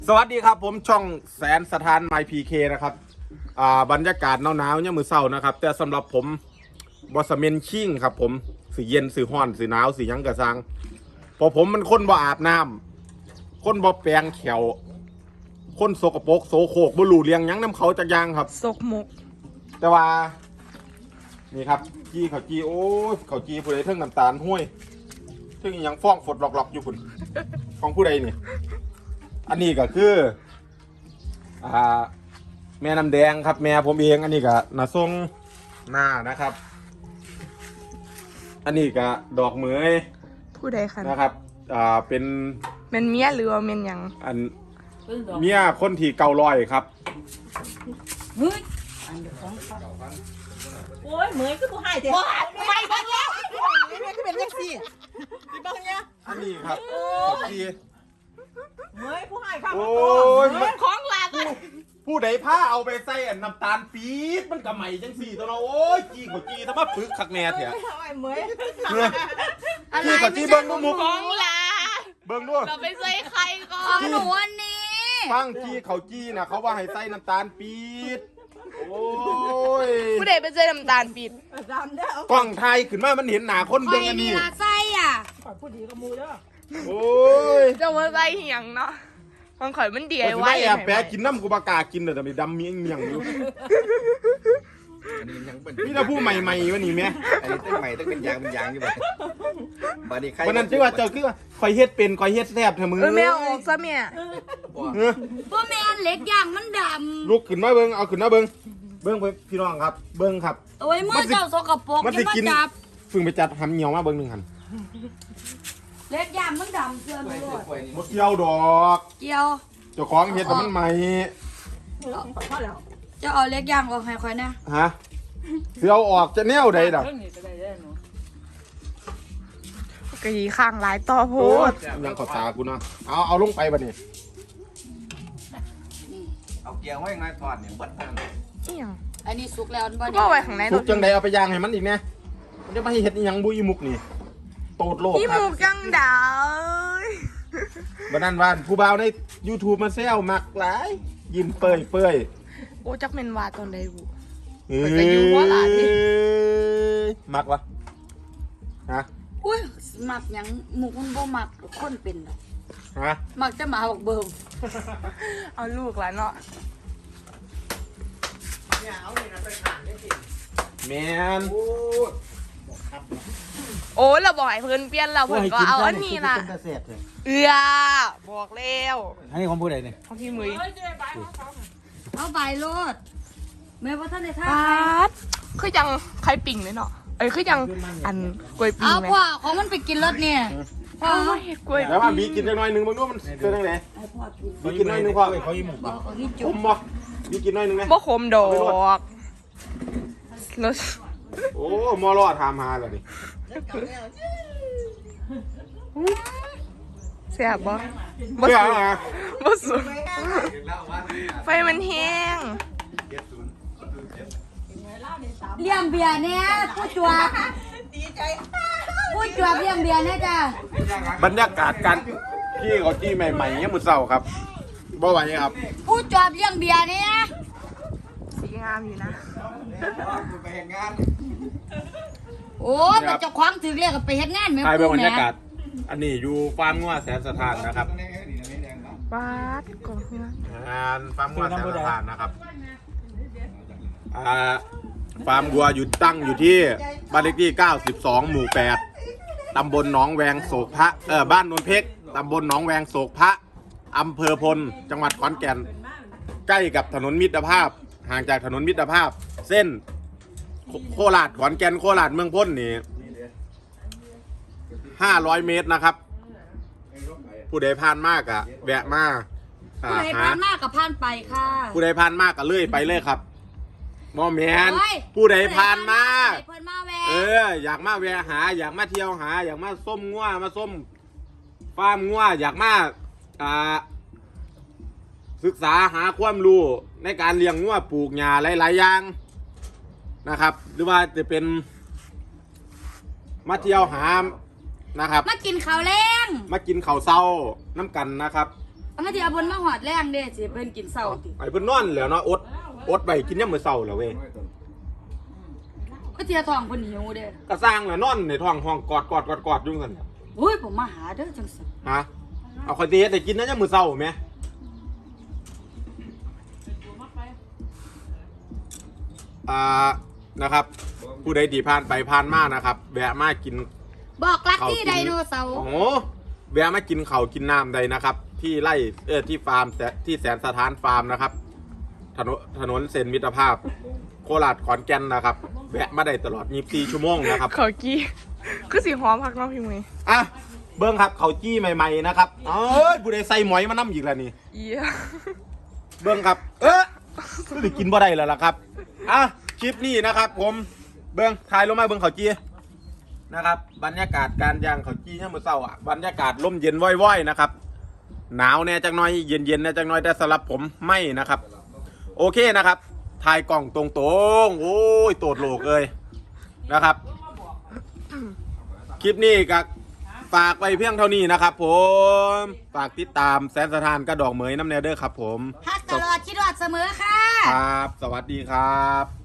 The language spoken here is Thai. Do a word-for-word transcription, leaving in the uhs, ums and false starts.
สวัสดีครับผมช่องแสนสถานไมพีเคนะครับอ่าบรรยากาศหนาวๆเนี่ยมือเศร้านะครับแต่สำหรับผมบอสเมนชิ่งครับผมสีเย็นสีห้อนสีหนาวสียังกระซังเพราะผมมันคนบ่อาบน้ำคนบ่แปรงแขวคนโสกปรกโสโครกบ่รู้เลี้ยงหยังน้ำเขาจักอยางครับซกมกแต่ว่านี่ครับจี้เขาจี้โอ้ยเขาจี้ผู้ใดเทิงน้ำตาลห้วยเทิงอิหยังฟ้องฝดหลอกๆอยู่คุณของผู้ใดนี่อันนี้ก็คืออ่าแม่น้ำแดงครับแม่ผมเองอันนี้ก็นาทรงหน้านะครับ อันนี้ก็ดอกเหมยผู้ใดคะนะครับอ่าเป็นเมนเมียหรือว่าเมนหยังอันเมียคนที่เก่าลอยครับเฮ้ยโอ้ยเหมยคือผู้ให้เถอะไม่บ้างแล้วไม่คือเป็นเรื่องสิพี่บ้างเนี่ยอันนี้ครับเขาจี้เหมยผู้ให้ครับโอ้ยเหมยของหลานผู้ผู้ใดผ้าเอาไปใส่อันน้ำตาลปี๊ดมันก็ใหม่จังสี่ตัวเนาะโอ้ยจี้กว่าจี้ถ้ามาปึกคักแน่เถอะเหมยเนี่ยจี้กว่าจี้เบิ้งดูมุกของลาเบิ้งดูเราไปใส่ใครก่อนหนูวันนี้ฟังจี้เขาจี้นะเขาว่าให้ใส่น้ำตาลปี๊ดโอ้ยผู้ใดไปใส่น้ำตาลปิดดำเด้อกล้องไทยขึ้นมามันเห็นหนาคนเบิ้งอันนี้ไส้อ่ะผู้ดีกับมูเด้อโอ้ยจะมาใส่เหียงเนาะมันข่อยมันเดียไอ้ไว้ไว้แอบแปะกินน้ำกูบากล้ากินเลยแต่ไม่ดำมีเมียงอยู่อันนี้ยังเป็นนี่ถ้าผู้ใหม่ๆวะนี่แม่อันนี้ตั้งใหม่ตั้งเป็นยางเป็นยางอยู่แบบบาดีใครวันนั้นที่ว่าเจ้าคือว่าคอยเฮ็ดเป็นคอยเฮ็ดแซ่บเถอะมึงเออแม่เอาออกซะแม่เออพวกแมนเล็กอย่างมันดลุกขึ้นมาเบิ้งเอาขึ้นมาเบิ้งเบิ้งไปพี่น้องครับ เบิ้งครับำโอ้ยมือเจ้าสกปรกมันอสิย่ามากินจับฝึงไปจัดหำเหนียวมาเบิ้งหนึ่งหันเล็กอย่างมันดำเกินไปหมดหมดเกี่ยวดอกเกี่ยวเจ้าของเฮ็ดแต่มันใหม่พอแล้วจะเอาเล็กอย่างออกให้ค่อยนะฮะเสียวออกจะแนวใดดอกกะยีข้างหลายต่อโพโอ้ดยังขอตากูเนาะเอาเอาลงไปบัดนี้เอาเกียร์ไว้ไงถอดเนี่ยบัดทางเอียงอันนี้สุกแล้วบ่ก็ไว้ข้างในทุรกถจังใดเอาไปย่างให้มันอีกแน่มันจะมาให้เฮ็ดอีหยังบุยมุกนี่โตดโลกพี่ครัมูบกังดาวบัดนั้นว่าผู้บ่าวใน YouTube มาแซวมักหลายยิ้มเปื่อยเปื่อยโอ้จักเมนวาตอนใดบุเอ้ยมันจะอยู่บ่ล่ะนี่มักวะฮะอุ้ยหมักหยังหมูมันบ่หมักคนเป็นดอกฮะหมักจะหมาบอกเบิ่มเอาลูกแล้วเนาะแมนโอ้เราบอกให้เพิ่นเปลี่ยนเราเพิ่นก็เอาอันนี้ล่ะเอือบอกแล้วอันนี้ของผู้ใดเนี่ยของพี่มือเอาใบโลดแม่ว่าท่านได้ท่าปาดคือยังใครปิ่งเลยเนาะเอ้ยคือยังอันกล้วยปิ่งเอาไหมพ่อของมันไปกินรถเนี่ยพ่อเอาเห็ดกล้วยแล้วว่าบีกินจังหน่อยหนึงมึงดูมันเป็นจังไดให้พ่อกินบีกินหน่อยหนึงพอเขายิ้มหมุกบอกของพี่ผจุ๊บมบ่บีกินหน่อยหนึงไหมบ่ขมดอกรสโอ้มอรอถามหาแล้วนี่แซ่บบ่บ่เพื่อสุกอะไรบ่สุกไฟมันแห้งเลี้ยงเบียร์เนี่ยผู้จวบดีใจผู้จวบเลี้ยงเบียร์เนี่ยจ้ะบรรยากาศการพี่เขาจี้ใหม่ๆเนี่ยมือเศร้าครับบ่ไหวครับผู้จวบเลี้ยงเบียร์เนี่ยสีงามอยู่นะไปเห็นงานโอ้ยเป็นเจ้าของถือเรียกไปเฮ็ดงานแม่ถ่ายเป็นผู้บรรแม่ยากาศ อันนี้อยู่ฟาร์มงัวแสนสถานนะครับปาดกองเนื้องานฟาร์มงัวแสนสถานนะครับอ่าฟาร์มวัวอยู่ตั้งอยู่ที่บ้านเลขที่เก้าสิบสองหมู่แปดตำบลหนองแวงโศกพระเออบ้านนนเพชรตำบลหนองแวงโศกพระอำเภอพลจังหวัดขอนแก่นใกล้กับถนนมิตรภาพ ห่างจากถนนมิตรภาพ เส้นโคโคราชขอนแก่นโคราชเมืองพ้นนี่ห้าร้อยเมตรนะครับ ผู้ใดผ่านมากอะแวะมาอ่าผู้ใดหาผ่านมากกับผ่านไปค่ะผู้ใดผ่านมากก็เลื่อยไปเลยครับมอแมนโอ้ยผู้ใดผ่านมาเพิ่นมาแวะเออ อยากมาแวะหา อยากมาเที่ยวหา อยากมาส้มงัวมาส้มฟาร์มงัวอยากมาอ่าศึกษาหาความรู้ในการเลี้ยงงัวปลูกหญ้าหลายๆอย่างนะครับ หรือว่าจะเป็นมาเที่ยวหานะครับมากินข้าวแรงมากินข้าวเศร้าน้ำกันนะครับเอามาที่เอาบนมาหอดแรงเด้สิเพิ่นกินเศร้าติไอ้เพิ่นนอนแล้วเนาะอดอดไปกินยามมื้อเช้าแล้วเว้ยก็เทียทองเพิ่นหิวเด้ก็สร้างแล้วนอนในท้องห้องกอดกอดกอดกอดอยู่ซั่นโอ้ยผมมาหาเด้อจังซั่นฮะเอาข่อยสิเฮ็ดให้กินนะยามมื้อเช้าแหมอ่านะครับ ผู้ใดที่ผ่านไปผ่านมานะครับแวะมากินบอกรักเขาที่กินไดโนเสาร์โอ้โหแวะมากินเขาวกินน้ำใดนะครับ ที่ไร่เออที่ฟาร์มแสที่แสนสถานฟาร์มนะครับ ถนนถนนเส้นมิตรภาพ โคราชขอนแก่นนะครับแวะมาได้ตลอดยี่สิบสี่ชั่วโมงนะครับเขากี้คือสีหอมพักเน้องพี่มืออ่ะเบิ้งครับเขาวจี้ใหม่ๆนะครับเอ้ยผู้ใดใส่หมอยมาน้ำอีกแล้วนี่เยี่ยเบิ้งครับ เออหรือกินบ่ได้แล้วล่ะครับอ่ะคลิปนี้นะครับ ผมเบิ้งถ่ายลงมาเบิ้งเขาวจี้นะครับ บรรยากาศการย่างเขาวจี้เนี่ยามมื่อเช้าอ่ะบรรยากาศลมเย็นว่อยๆนะครับ หนาวแน่จังน้อยเย็นๆแน่จังน้อยแต่สำหรับผมไม่นะครับ โอเคนะครับถ่ายกล่องตรงๆโอ้ยโตดโลกเลยนะครับ คลิปนี้ก็ฝากไปเพียงเท่านี้นะครับ ผมฝากติดตามแสนสถานกระดอกเหมยน้ำแนวเดอร์ครับผมฮักตลอดคิดฮอดเสมอค่ะครับ สวัสดีครับ